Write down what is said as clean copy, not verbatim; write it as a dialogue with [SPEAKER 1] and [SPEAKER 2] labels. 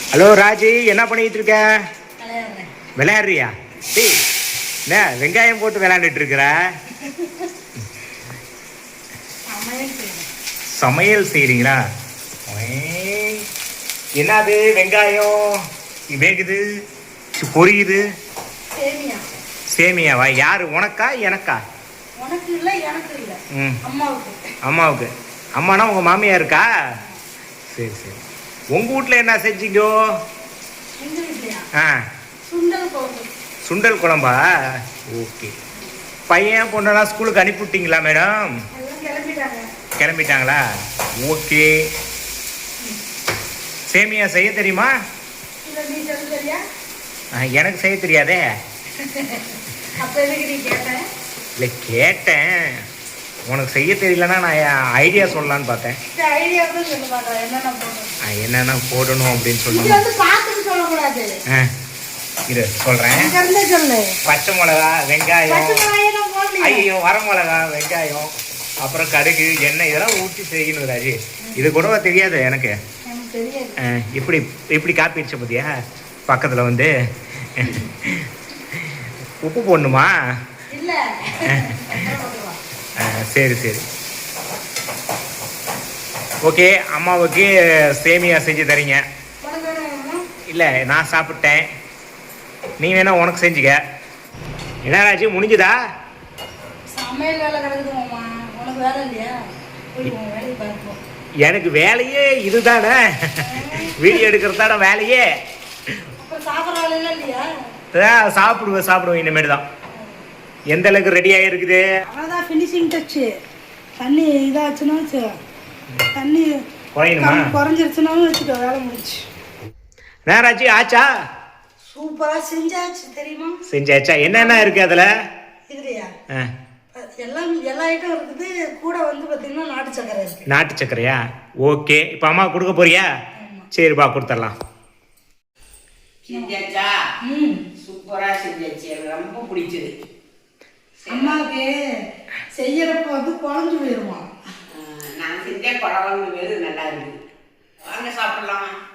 [SPEAKER 1] Hello Raji, என்ன பண்ணிட்டு இருக்க? விளையாடுறியா? டேய், என்ன வெங்காயம் போட்டு விளையாண்டுட்டு இருக்கிற? சமையல் செய்றீங்களா? என்னது வெங்காயம் வேகுது, பொரியுது? சேமியாவா? யாரு, உனக்கா எனக்கா?
[SPEAKER 2] உனக்கு இல்ல, எனக்கு இல்ல, அம்மாவுக்கு.
[SPEAKER 1] அம்மாவுக்கு. அம்மானா உங்க மாமியா இருக்கா? சரி சரி. உங்க வீட்ல என்ன செஞ்சீங்க? சுண்டல் குழம்பா? ஓகே. பையன் பொண்ணெல்லாம் ஸ்கூலுக்கு அனுப்பிவிட்டீங்களா மேடம்? கிளம்பிட்டாங்களா? ஓகே. சேமியா செய்ய தெரியுமா? எனக்கு செய்ய தெரியாதே. இல்லை, கேட்டேன். உனக்கு செய்ய தெரியலன்னா நான் ஐடியா சொல்லலான்னு பார்த்தேன். என்னென்ன போடணும் அப்படின்னு சொல்லுங்க. இரு சொல்கிறேன். பச்சை மிளகா, வெங்காயம், ஐயோ வர மிளகா, வெங்காயம், அப்புறம் கடுகு, எண்ணெய், இதெல்லாம் ஊற்றி செய்யணும் ராஜி. இது கூட தெரியாது எனக்கு. இப்படி இப்படி காப்பிடுச்ச பத்தியா? பக்கத்தில் வந்து உப்பு போடணுமா? சரி சரி. ஓகே. அம்மாவுக்கு சேமியா செஞ்சு தரீங்க? இல்லை, நான் சாப்பிட்டேன். நீ வேணா உனக்கு செஞ்சுக்க. என்ன ராஜி, முடிஞ்சுதா?
[SPEAKER 2] சமையல் வேலை கிடக்குது மாமா, உனக்கு வேலை இல்லையா?
[SPEAKER 1] எனக்கு வேலையே இதுதானே, வீடியோ எடுக்கிறது தானே வேலையே. சாப்பிடுவேன் இனிமேல் தான். எந்த அளவுக்கு ரெடி ஆகிருக்குது?
[SPEAKER 2] அதான் ஃபினிஷிங் டச். தண்ணி இதாச்சுன்னா, தண்ணி குறைஞ்சிருச்சுனாலும் வச்சுக்கோ, வேலை முடிச்சு.
[SPEAKER 1] நேராச்சு ஆச்சா?
[SPEAKER 2] சூப்பரா செஞ்சாச்சு தெரியுமா?
[SPEAKER 1] செஞ்சாச்சா? என்னென்ன இருக்கு அதுல?
[SPEAKER 2] இதுலையா எல்லாம் எல்லா ஐட்டம் இருக்குது. கூட வந்து பாத்தீங்கன்னா நாட்டு சக்கரை இருக்கு.
[SPEAKER 1] நாட்டு சக்கரையா? ஓகே. இப்போ அம்மா கொடுக்க போறியா? சரிப்பா, கொடுத்துடலாம்.
[SPEAKER 3] செஞ்சாச்சா? சூப்பரா செஞ்சாச்சு, எனக்கு ரொம்ப பிடிச்சது.
[SPEAKER 2] அம்மாவுக்கு செய்யறப்ப வந்து குழஞ்சு போயிருமா?
[SPEAKER 3] நான் செஞ்ச குழம்பு வேறு நல்லா இருக்கு. வாங்க சாப்பிடலாம்.